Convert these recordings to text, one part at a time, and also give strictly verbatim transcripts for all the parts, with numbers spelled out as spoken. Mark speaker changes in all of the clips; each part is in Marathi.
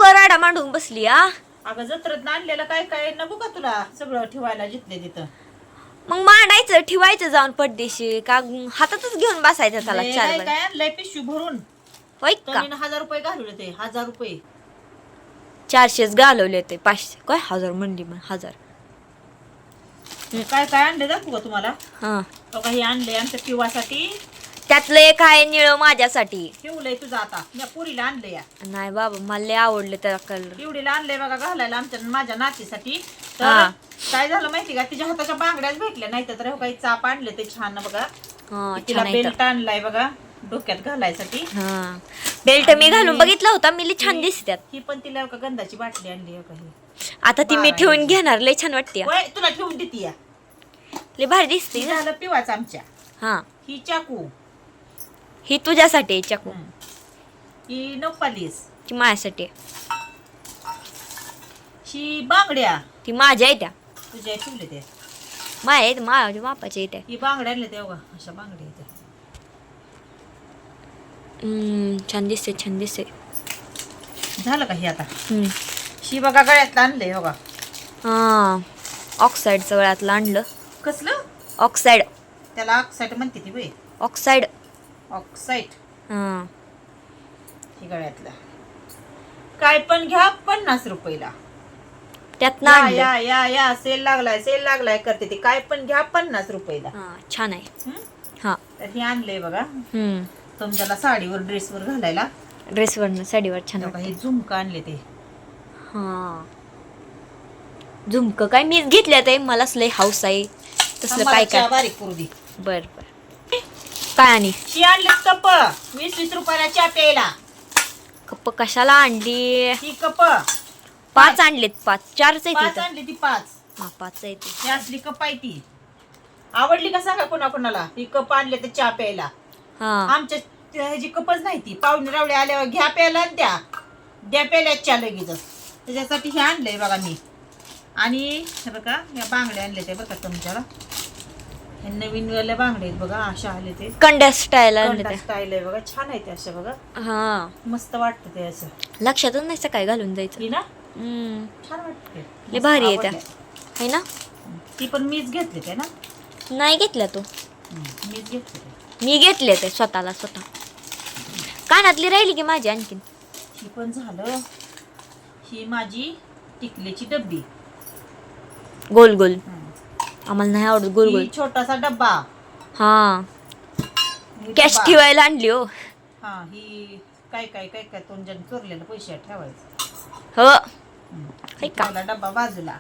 Speaker 1: राडा मांडून बसली हा.
Speaker 2: अगं जत्रेत आणलेलं काय काय नको का तुला सगळं ठेवायला जिथले तिथं.
Speaker 1: मग मांडायचं ठेवायचं जाऊन पडदेशी का हातातच घेऊन बसायचं त्याला
Speaker 2: लय
Speaker 1: चार
Speaker 2: काय
Speaker 1: वेळा.
Speaker 2: काय आणलंय पिशवी भरून.
Speaker 1: होय का
Speaker 2: तरीनं हजार रुपये घालवले ते हजार रुपये.
Speaker 1: चारशेच घालवले ते पाचशे काय हजार म्हणली मग हजार.
Speaker 2: काय काय आणले दाखवू का तुम्हाला.
Speaker 1: हा
Speaker 2: तो काही आणले आमच्या पिवासाठी.
Speaker 1: त्यातलं एक आहे निळ माझ्यासाठी.
Speaker 2: ठेवलंय तुझं आता मी पुरीला आणलंय या.
Speaker 1: नाही बाबा मला लय आवडलं त्याला कलर.
Speaker 2: पिवडीला आणलंय बघा घालायला आमच्या माझ्या नातीसाठी. तर
Speaker 1: हा.
Speaker 2: काय झालं माहिती का तिच्या हाताच्या बांगड्याच भेटल्या नाही तर काही चाप आणले ते छान बघा.
Speaker 1: हा
Speaker 2: तिला
Speaker 1: छान आहे
Speaker 2: बेल्ट आणलाय बघा डोक्यात घालायसाठी.
Speaker 1: हा बेल्ट मी घालून बघितला होता मी लई छान दिसत्यात.
Speaker 2: ही पण तिला का गंधाची बाटली आणली आहे का ही.
Speaker 1: आता ती मी ठेवून घेणार लय छान वाटते.
Speaker 2: होय तुला ठेवून देते या.
Speaker 1: लय भारी दिसते
Speaker 2: ही
Speaker 1: ना.
Speaker 2: झालं पिवाच आमच्या.
Speaker 1: हा
Speaker 2: ही चाकू.
Speaker 1: ही तुझ्यासाठी आहे चाकू.
Speaker 2: ही नपालीस.
Speaker 1: ती माझ्यासाठी आहे.
Speaker 2: ही बांगड्या
Speaker 1: ती माझ्या आहे त्या
Speaker 2: तुझ्या ठेवले ते.
Speaker 1: माझ्या आहेत माझ्या बापाच्या आहेत त्या.
Speaker 2: ही बांगड्या आणले ते बघा अशा बांगड्या आहेत.
Speaker 1: हम्म, छान दिसते छान दिसते.
Speaker 2: झालं का हे आता.
Speaker 1: हम्म.
Speaker 2: ही बघा गळ्यातलं आणलंय बघा.
Speaker 1: हा ऑक्साईडचं गळ्यातलं आणलं.
Speaker 2: कसलं
Speaker 1: ऑक्साईड
Speaker 2: त्याला ऑक्साईड म्हणते ती बाई.
Speaker 1: ऑक्साईड
Speaker 2: ऑक्साईड
Speaker 1: हा
Speaker 2: ही गळ्यातला. काय पण घ्या पन्नास रुपयाला.
Speaker 1: त्यात
Speaker 2: या
Speaker 1: आणलं.
Speaker 2: या या या सेल लागलाय सेल लागलाय करते ती. काय पण घ्या पन्नास रुपयाला.
Speaker 1: हा छान आहे.
Speaker 2: हम्म?
Speaker 1: हा
Speaker 2: तर हे आणलंय बघा
Speaker 1: हम्म
Speaker 2: तुमच्याला साडीवर ड्रेसवर घालायला.
Speaker 1: ड्रेसवर साडीवर छान
Speaker 2: बघा
Speaker 1: वाटतं.
Speaker 2: हे झुमका आणले ते.
Speaker 1: हा झुमक काय मीच घेतल्यात आहे मला लय हाऊस आहे तसलं काय
Speaker 2: आम्हाला
Speaker 1: काय.
Speaker 2: बारीक करू दे.
Speaker 1: बर बर काय आणि
Speaker 2: ही आणले कप वीस वीस रुपयाला चहा प्यायला.
Speaker 1: कप कशाला आणली.
Speaker 2: ही कप
Speaker 1: पाच आणलेत पाच चारच आहेत
Speaker 2: पाच
Speaker 1: इथं.
Speaker 2: आणली ती पाच.
Speaker 1: हा पाच आहेत.
Speaker 2: ही असली कप आहे ती. आवडली का सांगा कोणा कोणाला. ही कप आणले ते चहा प्यायला.
Speaker 1: हा
Speaker 2: आमच्या ह्याची कपच नाही ती. पाहुणे रावळे आल्यावर घ्या प्यायला आणि द्या द्या प्यायला चहा लगेच. त्याच्यासाठी हे आणलंय बघा मी. आणि हे बघा या बांगड्या आणले ते बघा तुमच्याला. हे नवीन वाल्या बांगड्या आहेत बघा अशा आले ते.
Speaker 1: कंड्या स्टाईल आणले त्या.
Speaker 2: स्टाईल आहे बघा छान आहे ते अशा बघा.
Speaker 1: हा
Speaker 2: मस्त वाटतं ते असं.
Speaker 1: लक्षातच नाही सकाळी घालून जायचं.
Speaker 2: ही ना
Speaker 1: हम्म
Speaker 2: छान वाटते.
Speaker 1: लय भारी आहे त्या है ना.
Speaker 2: ती पण मीच घेतली ते ना.
Speaker 1: नाही घेतल्या तू.
Speaker 2: मीच घेतली ते.
Speaker 1: मी घेतले ते स्वतःला स्वतः. कानातली राहिली की माझी आणखीन.
Speaker 2: ही पण झालं. ही माझी टिकलीची डब्बी.
Speaker 1: गोल गोल आम्हाला नाही आवडत गोल गोल.
Speaker 2: ही छोटासा डब्बा.
Speaker 1: हा
Speaker 2: ही
Speaker 1: कॅश
Speaker 2: डब्बा.
Speaker 1: ठेवायला आणली हो.
Speaker 2: हा ही काय काय काय काय तोंड चोरलेलं पैसे ठेवायचं.
Speaker 1: हो
Speaker 2: ही
Speaker 1: का?
Speaker 2: ठेवला डब्बा बाजूला.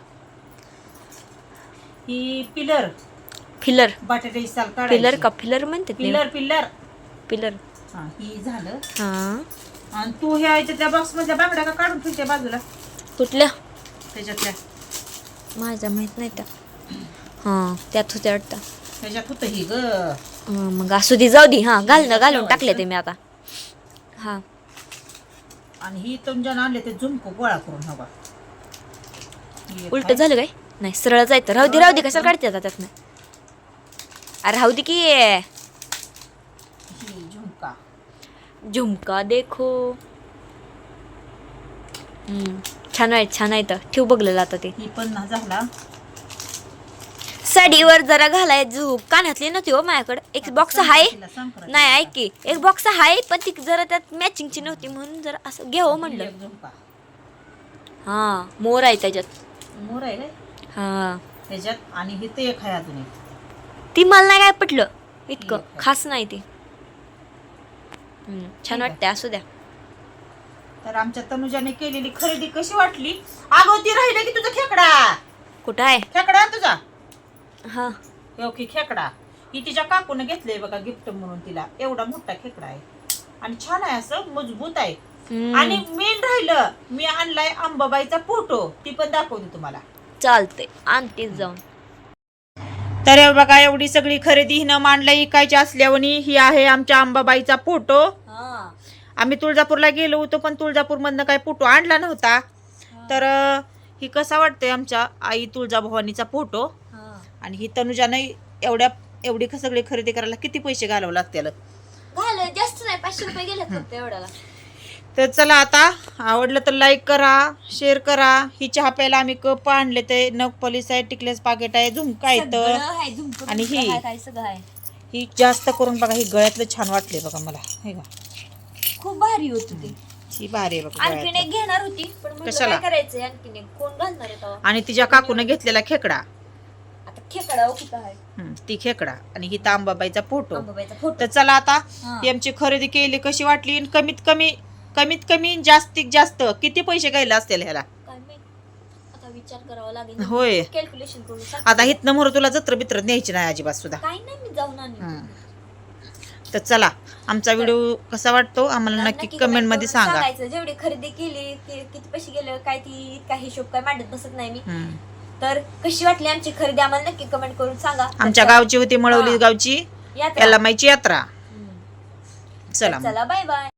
Speaker 2: ही पिलर
Speaker 1: फिलर
Speaker 2: बटाट्याची साल काढायची.
Speaker 1: फिलर का फिलर म्हणते
Speaker 2: पिलर पिलर.
Speaker 1: फिलर.
Speaker 2: हा ही झालं.
Speaker 1: हा
Speaker 2: आणि तू ह्या त्या बॉक्स मधल्या बांगड्या का काढून ठेवते बाजूला
Speaker 1: कुठल्या
Speaker 2: त्याच्यातल्या.
Speaker 1: माझ्या माहित नाही त्या. हा त्यात होत्या वाटतं.
Speaker 2: त्याच्यात होतं ही ग.
Speaker 1: हा, मग असू दे जाऊ दे. हा घाल ना घालून टाकले ते मी आता. हा
Speaker 2: आणि ही तुमच्या आणले ते झुमको गोळा करून हवा.
Speaker 1: उलट झालं काय नाही सरळ जायचं. राहू दे राहू दे कशाला काढते आता त्यात नाही. अरे राहू दे की.
Speaker 2: ही झुमका.
Speaker 1: झुमका देखो. हम्म छान आहे छान आहे तर ठेव बघलेलं आता ते.
Speaker 2: ही पण ना झाला.
Speaker 1: साडीवर जरा घालाय झूप कानातली नव्हती हो माझ्याकडे. एक बॉक्स आहे नाही ऐक की एक बॉक्स आहे पण ती जरा त्यात मॅचिंगची नव्हती म्हणून जरा असं घ्यावं म्हणलं.
Speaker 2: एक झुमका.
Speaker 1: हा मोर आहे त्याच्यात.
Speaker 2: मोर आहे रे
Speaker 1: हा
Speaker 2: त्याच्यात. आणि हे ते एक आहे अजून एक.
Speaker 1: ती मला नाही काय पटलं इतकं
Speaker 2: ठीक आहे.
Speaker 1: खास नाही ती. हम्म, छान
Speaker 2: आहे.
Speaker 1: वाटते असू द्या.
Speaker 2: तर आमच्या तनुजाने केलेली खरेदी कशी वाटली. अगं ती राहिली की तुझा खेकडा.
Speaker 1: कुठं आहे.
Speaker 2: खेकडा तुझा.
Speaker 1: हा
Speaker 2: हो की खेकडा. ही तिच्या काकून घेतलंय बघा गिफ्ट म्हणून तिला. एवढा मोठा खेकडा आहे आणि छान आहे असं मजबूत आहे.
Speaker 1: हम्म,
Speaker 2: आणि मेन राहिलं मी आणलाय अंबाबाईचा फोटो. ती पण दाखवते तुम्हाला.
Speaker 1: चालते आणतेच जाऊन.
Speaker 2: तर हे बघा एवढी सगळी खरेदी हिनं मांडला इकायची असल्यावनी. ही आहे आमच्या अंबाबाईचा फोटो.
Speaker 1: हा
Speaker 2: आम्ही तुळजापूरला गेलो होतो पण तुळजापूरमधनं काही फोटो आणला नव्हता. तर अं, ही कसा वाटतंय आमच्या आई तुळजाभवानीचा फोटो.
Speaker 1: हा
Speaker 2: आणि ही तनुजाने एवढ्या एवढी सगळी खरेदी करायला किती पैसे घालावं लागतील.
Speaker 1: झालं जास्त नाही पाचशे रुपये गेले फक्त एवढ्याला.
Speaker 2: तर चला आता आवडलं तर लाईक करा, शेअर करा. ही चहा प्यायला आम्ही कप आणले ते नग पॉलिश आहे, टिकलेस पाकिट आहे, झुमका आहे तर
Speaker 1: सगळं आहे, झुमकं
Speaker 2: आणि
Speaker 1: बिमकं
Speaker 2: ही-
Speaker 1: आहे, काय सगळं आहे.
Speaker 2: ही जास्त करून बघा ही गळ्यातलं छान वाटले बघा मला. हे का
Speaker 1: खूप भारी होत ते.
Speaker 2: ही भारी आहे बघा
Speaker 1: आणखीन
Speaker 2: गळ्यातलं.
Speaker 1: एक घेणार होती पण म्हणलं
Speaker 2: कशाला?
Speaker 1: काय करायचंय, आणखीन एक कोण घालणार आहे तेव्हा?
Speaker 2: आणि तिच्या काकूने घेतलेला खेकडा.
Speaker 1: आता खेकडा हो कुठं आहे,
Speaker 2: हम्म, ती खेकडा आणि ही तांबाबाईचा फोटो.
Speaker 1: अंबाबाईचा फोटो.
Speaker 2: तर चला आता
Speaker 1: हा.
Speaker 2: ही आमची खरेदी केली कशी वाटली आणि कमीत कमी कमीत कमी जास्तीत जास्त किती पैसे गेले असतील ह्याला.
Speaker 1: काय माहित, आता विचार करावा लागेल,
Speaker 2: होय.
Speaker 1: कॅल्क्युलेशन करून सांगते.
Speaker 2: आता हितनं मोर तुला जत्र बित्र न्यायची नाही अजिबात सुद्धा.
Speaker 1: काय नाही, मी जाऊन आणली.
Speaker 2: हम्म. तर चला आमचा व्हिडिओ कसा वाटतो आम्हाला नक्की कमेंट मध्ये
Speaker 1: करून
Speaker 2: सांगा.
Speaker 1: सांगायचं. जेवढी खरेदी केली ते किती पैसे गेले काय, ती इतका हिशोब काय मांडत बसत नाही मी.
Speaker 2: हम्म.
Speaker 1: तर कशी वाटली आमची खरेदी आम्हाला नक्की कमेंट करून सांगा.
Speaker 2: आमच्या
Speaker 1: तर
Speaker 2: गावची होती मळवली
Speaker 1: हा.
Speaker 2: गावची
Speaker 1: यात्रा.
Speaker 2: याला माहिती यात्रा.
Speaker 1: हम्म.
Speaker 2: चला
Speaker 1: चला बाय बाय.